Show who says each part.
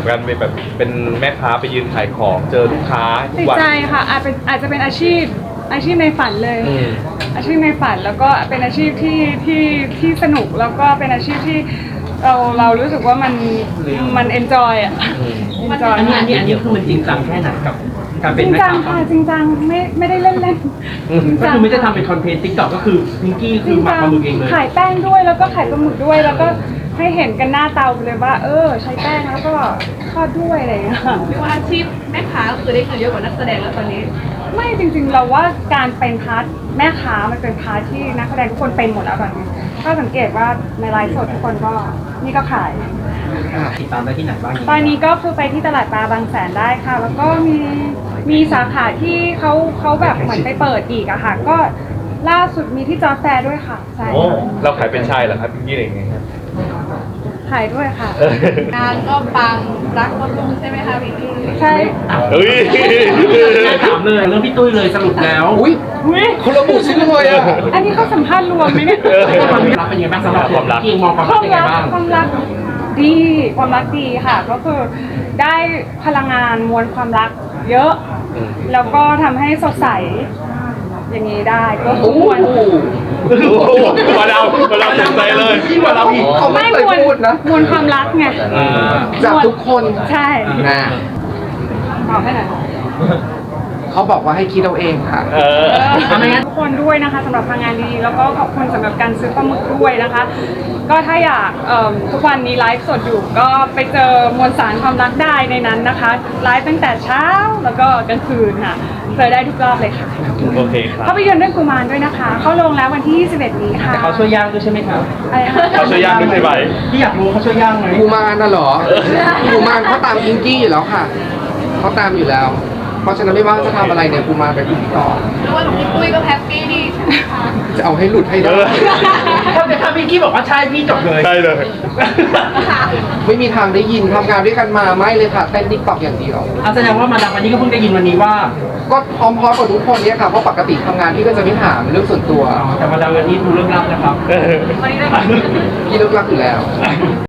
Speaker 1: กันเป็นแม่ค้าไปยืนขายของเจอลูกค้าทุ
Speaker 2: ติ
Speaker 1: ก
Speaker 2: ด
Speaker 1: วัน
Speaker 2: ใจค่ะอาจจะเป็นอาชีพในฝันเลย อาชีพในฝันแล้วก็เป็นอาชีพที่สนุกแล้วก็เป็นอาชีพที่เรารู้สึกว่ามันเอนจอยอ่ะเอนจอย
Speaker 3: อันนี้คือมันจริงจังแค่ไหนกับการเป็น
Speaker 2: จริง
Speaker 3: แม่
Speaker 2: จัง
Speaker 3: ค้า
Speaker 2: ค่ะจริงจังไม่ได้เล่นจริง
Speaker 3: ก็
Speaker 2: จัง
Speaker 3: คือไม่ได้ทำเป็นคอนเทนต์ติ๊กต็อกก็คือพิงกี้คือหมักปลาหมึกเองเลย
Speaker 2: ขายแป้งด้วยแล้วก็ขายปลาหมึกด้วยแล้วก็ให้เห็นกันหน้าเตาเลยว่าใช้แป้งแล้วก็ทอดด้วยอะไรอย่างเงี้ย
Speaker 4: เรียกว่าอาชีพแม่ค้าก็คือได้เงินเยอะกว่านักแสดงแล้วตอนนี้
Speaker 2: ไม่จริงๆเราว่าการเป็นพาร์ทแม่ค้ามันเป็นพาร์ทที่นักแสดงทุกคนเป็นหมดแล้วตอนนี้ก็สังเกตว่าในไลฟ์สดทุกคนก็นี่ก็ขาย
Speaker 3: ติดตามได้ที่ไหนบ้าง
Speaker 2: ตอนนี้ก็คือไปที่ตลาดปลาบางแสนได้ค่ะ แล้วก็มีสาขาที่เขาแบบเหมือนไปเปิดอีกอะค่ะ ก็ล่าสุดมีที่จอแฟร์ด้วยค่ะใช่
Speaker 1: โอ้เราขายเป็นชายเหรอครับพี่เองไงครับ
Speaker 2: ขายด้วยค่ะ
Speaker 4: งานก็ปังรักก็รุ่งใช่ไหมคะพี่พี่
Speaker 2: ใช่
Speaker 1: เฮ้ย
Speaker 3: ถามเลยเรื่องพี่ตุ้ยเลยสรุปแล้ว
Speaker 1: อุ้ยคนระบุชื่อเลยอ่ะ
Speaker 2: อันนี้เขาสัมภาษณ์รวมไหมเนี่ย
Speaker 3: ความรักเป็นยังไงบ้างสำหรับ
Speaker 1: ความรัก
Speaker 3: พี่มองความ
Speaker 2: ค
Speaker 3: รัก
Speaker 2: วาม
Speaker 3: ยังไง
Speaker 2: รัก
Speaker 3: บ้าง
Speaker 2: ความรักดีความรักดีค่ะ ก็คือได้พลังงานมวลความรักเยอะ แล้วก็ทำให้สดใสอย่างนี้ได้ก็คือมวล
Speaker 1: มาเราสนใจเลย
Speaker 3: ยิ่งกว่าเราอีก
Speaker 5: เขาไม่เคยพูดนะ
Speaker 2: มวลความรักไง
Speaker 5: จากทุกคน
Speaker 2: ใช่
Speaker 5: นะ
Speaker 2: บอกให้หน่อย
Speaker 5: เขาบอกว่าให้คิดเอาเองค่ะ
Speaker 2: ทุกคนด้วยนะคะสำหรับพลังงานดีๆแล้วก็ขอบคุณสำหรับการซื้อปลาหมึกด้วยนะคะ ก็ถ้าอยากทุกวันนี้ไลฟ์สดอยู่ก็ไปเจอมวลสารความรักได้ในนั้นนะคะไลฟ์ตั้งแต่เช้าแล้วก็กลางคืนค่ะเจอได้ทุกรอบเลยค่ะ
Speaker 1: โอเคครับ
Speaker 2: ภาพยนตร์เรื่องกุมารด้วยนะคะ เข้าโรงแล้ววันที่ 21 นี้ค่ะ
Speaker 3: แต่เขาช่วยย่างด้วยใช่ไหมครับ
Speaker 2: อะไรนะคะ
Speaker 1: เขาช่วยย่างด้วยใช่ไหม
Speaker 3: พี่อยากรู้เขาช่วยย่างไหม
Speaker 5: กูมารน่ะเหรอ กูมารเขาตามพิงกี้อยู่แล้วค่ะ เขาตามอยู่แล้ว เพราะฉะนั้นไม่ว่าจะทำอะไรเนี่ยกูมารไปพิธีกร
Speaker 4: เรียกว่าหลวงพี่ปุ้ยก็แฮปปี้ดีใช่ไหมคะ
Speaker 5: จะเอาให้หลุดให้ได้
Speaker 3: ถ้าพี่กี้บอกว่าใช่พี่จบเลย
Speaker 1: ใช่เลย
Speaker 5: ไม่มีทางได้ยินทำงานด้วยกันมาไม่เลยค่ะเต้นติ๊กต็อกอย่างเดียว
Speaker 3: แสดงว่ามาดามวันนี้ก็เพิ่งได้ยินวันนี้ว่า
Speaker 5: ก็พร้อมๆกับทุกคนเนี่ยค่ะ เพราะปกติทำงานพี่ก็จะไม่ถามเรื่องส่วนตัว
Speaker 3: แต่มาดามวันนี้ดูเรื่องลับนะครับ
Speaker 2: วันนี้ได้
Speaker 5: พี่เลิกรักอยู่แล้ว